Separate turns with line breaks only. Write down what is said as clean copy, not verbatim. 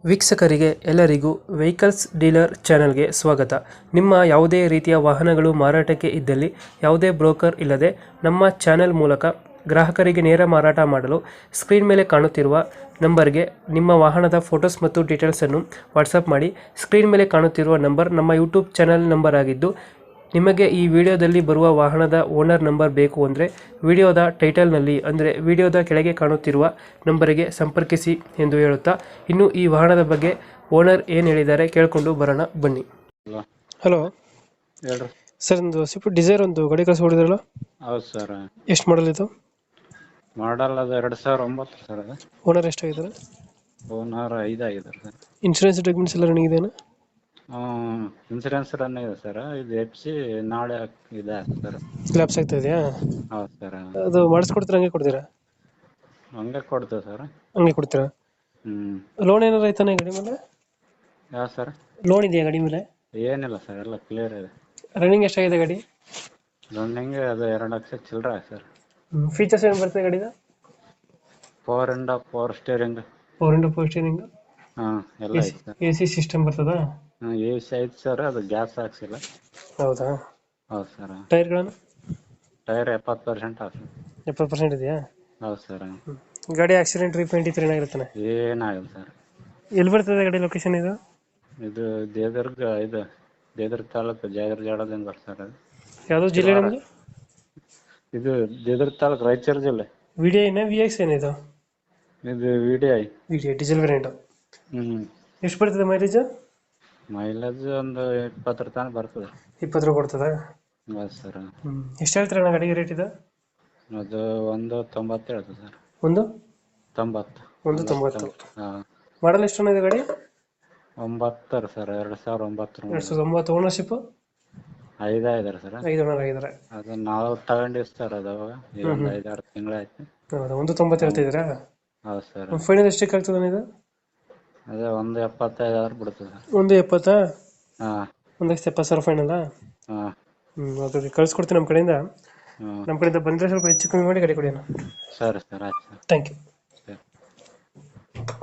ವೀಕ್ಷಕರಿಗೆ ಎಲ್ಲರಿಗೂ vehicles dealer ಚಾನೆಲ್ಗೆ ಸ್ವಾಗತ. ನಿಮ್ಮ ಯಾವುದೇ ರೀತಿಯ ವಾಹನಗಳು ಮಾರಾಟಕ್ಕೆ ಇದ್ದಲ್ಲಿ ಯಾವುದೇ ಬ್ರೋಕರ್ ಇಲ್ಲದೆ ನಮ್ಮ ಚಾನೆಲ್ ಮೂಲಕ ಗ್ರಾಹಕರಿಗೆ ನೇರ ಮಾರಾಟ ಮಾಡಲು ಸ್ಕ್ರೀನ್ ಮೇಲೆ ಕಾಣುತ್ತಿರುವ ನಂಬರ್ಗೆ ನಿಮ್ಮ ವಾಹನದ ಫೋಟೋಸ್ ಮತ್ತು ಡೀಟೇಲ್ಸನ್ನು ವಾಟ್ಸಪ್ ಮಾಡಿ. ಸ್ಕ್ರೀನ್ ಮೇಲೆ ಕಾಣುತ್ತಿರುವ ನಂಬರ್ ನಮ್ಮ ಯೂಟ್ಯೂಬ್ ಚಾನೆಲ್ ನಂಬರ್ ಆಗಿದ್ದು, ನಿಮಗೆ ಈ ವಿಡಿಯೋದಲ್ಲಿ ಬರುವ ವಾಹನದ ಓನರ್ ನಂಬರ್ ಬೇಕು ಅಂದರೆ ವಿಡಿಯೋದ ಟೈಟಲ್ನಲ್ಲಿ ಅಂದರೆ ವಿಡಿಯೋದ ಕೆಳಗೆ ಕಾಣುತ್ತಿರುವ ನಂಬರಿಗೆ ಸಂಪರ್ಕಿಸಿ ಎಂದು ಹೇಳುತ್ತಾ, ಇನ್ನು ಈ ವಾಹನದ ಬಗ್ಗೆ ಓನರ್ ಏನು ಹೇಳಿದ್ದಾರೆ ಕೇಳಿಕೊಂಡು ಬರೋಣ ಬನ್ನಿ.
ಹಲೋ
ಹಲೋ
ಹೇಳ್ರಿ.
ಸರ್, ಒಂದು ಸ್ವಿಫ್ಟ್ ಡಿಸೈರ್ ಒಂದು ಗಾಡಿ ಕಳಿಸ್ಕೊಡಿದ್ರಲ್ಲ,
ಹೌದು ಸರ್.
ಎಷ್ಟು ಮಾಡಲ್ ಇದು?
ಮಾಡಲ್ ಅದು 2009 ಸರ್. ಅದು
ಓನರ್ ಎಷ್ಟಾಗಿದ್ದಾರೆ?
ಓನರ್ 5 ಆಗಿದ್ದಾರೆ ಸರ್.
ಇನ್ಶೂರೆನ್ಸ್ ಡಾಕ್ಯುಮೆಂಟ್ಸ್ ಎಲ್ಲ ರನ್ನಿಂಗ್ ಇದೆಯಾ?
ಇನ್ಸೂರೆನ್ಸ್ ರನ್ ಇದೆ ಸರ್. ಇದು ಎಫ್ಸಿ ನಾಳೆ ಇದೆ ಸರ್.
ಲ್ಯಾಪ್ಸ್ ಆಗ್ತಾ ಇದೆಯಾ?
ಹೌದು ಸರ್.
ಅದು ಮಾಡಿಸ್ಕೊಡ್ತೀರಾ ಹಂಗೆ ಕೊಡ್ತೀರಾ?
ಹಂಗೆ ಕೊಡ್ತೇವೆ ಸರ್.
ಹಂಗೆ ಕೊಡ್ತೀರಾ? ಲೋನ್ ಏನಾರು ಆಯ್ತಾನೆ ಗಾಡಿ ಮೇಲೆ?
ಯಾವ ಸರ್?
ಲೋನ್ ಇದೆಯಾ ಗಾಡಿ ಮೇಲೆ?
ಏನಿಲ್ಲ ಸರ್, ಎಲ್ಲ ಕ್ಲಿಯರ್ ಇದೆ.
ರನ್ನಿಂಗ್ ಎಷ್ಟಾಗಿದೆ ಗಾಡಿ?
ರನ್ನಿಂಗ್ ಅದು 2 ಲಕ್ಷ ಚಿಲ್ಲರೆ ಸರ್.
ಫೀಚರ್ಸ್ ಏನು ಬರ್ತದೆ ಗಾಡಿದ?
4 ಸ್ಟೇರಿಂಗ್.
4x4 ಸ್ಟೀರಿಂಗ್,
ಹಾಂ, ಎಲ್ಲ ಐತೆ ಸರ್.
ಎ ಸಿ ಸಿಸ್ಟಮ್ ಬರ್ತದ?
ಎ ಸಿ ಐತೆ ಸರ್. ಅದು ಗ್ಯಾಸ್ ಹಾಕ್ಸಿಲ್ಲ.
ಹೌದಾ?
ಹೌದು ಸರ್.
ಟೈರ್ಗಳನ್ನು?
ಟೈರ್ 70% ಆಯ್ತು.
70% ಇದೆಯಾ?
ಹೌದು ಸರ್.
ಗಾಡಿ ಆಕ್ಸಿಡೆಂಟ್ ರೀಪೇಂಟ್ ಇತ್ತು ಏನಾಗಿರ್ತಾನೆ?
ಏನಾಗಿಲ್ಲ ಸರ್.
ಎಲ್ಲಿ ಬರ್ತದೆ ಗಾಡಿ ಲೊಕೇಶನ್ ಇದು?
ಇದು ದೇವದುರ್ಗ ತಾಲೂಕು ಜಾಗರ ಜಾಡದಿಂದ ಬರ್ತಾರೆ.
ಯಾವುದು ಜಿಲ್ಲೆ ನಮ್ಮದು?
ಇದು ದೇವದುರ್ಗ ತಾಲೂಕು, ರಾಯಚೂರು ಜಿಲ್ಲೆ.
ವಿ ಡಿ ಐನ ವಿ ಎಕ್ಸ್ ಏನಿದು?
ಇದು VDI.
V D I diesel variant. ಎಷ್ಟು ಬರ್ತದೆ ಮೈಲೇಜ್?
ಮೈಲೇಜ್ ಒಂದು 20 ತನಕ ಬರ್ತದೆ.
20 ಕೊಡ್ತದ?
ಹೌದು ಸರ್.
ಎಷ್ಟು ಹೇಳ್ತೀರ ಅಣ್ಣ ಗಾಡಿಗೆ ರೇಟ್ ಇದು?
ಅದು 190 ಹೇಳ್ತದೆ ಸರ್.
190. 190.
ಹಾಂ.
ಮಾಡಲ್ ಎಷ್ಟು ಇದೆ ಗಾಡಿ?
9 ಸರ್. 2009.
2009. ಓನರ್ಶಿಪ್?
5 ಆಗಿದ್ದಾರೆ ಸರ್.
5 ಓನರ್ ಆಗಿದ್ದಾರೆ.
ಅದು ನಾವು ತಗೊಂಡಿವಿ ಸರ್. ಅದು ಅವಾಗ ಒಂದು 5-6 ತಿಂಗಳಾಯ್ತು.
ಹೌದಾ? 190 ಹೇಳ್ತಿದ್ದೀರಾ?
ಹೌದು ಸರ್.
ಫೈನಲ್ ಎಷ್ಟಕ್ಕೆ ಆಗ್ತದೆ ಇದು?
ಅದೇ 175 ಬಿಡ್ತದೆ ಸರ್.
170?
ಹಾಂ.
170,000 ಫೈನಲ್?
ಹಾಂ.
ಓಕೆ, ಕಳ್ಸ್ಕೊಡ್ತೀನಿ ನಮ್ಮ ಕಡೆಯಿಂದ.
ಹಾಂ.
ನಮ್ಮ ಕಡೆಯಿಂದ ಬಂದರೆ ಸ್ವಲ್ಪ ಹೆಚ್ಚು ಕಮ್ಮಿ ಮಾಡಿ ಗಾಡಿ ಕೊಡಿ ಅಣ್ಣ.
ಸರಿ ಸರ್, ಆಯ್ತು ಸರ್.
Thank you.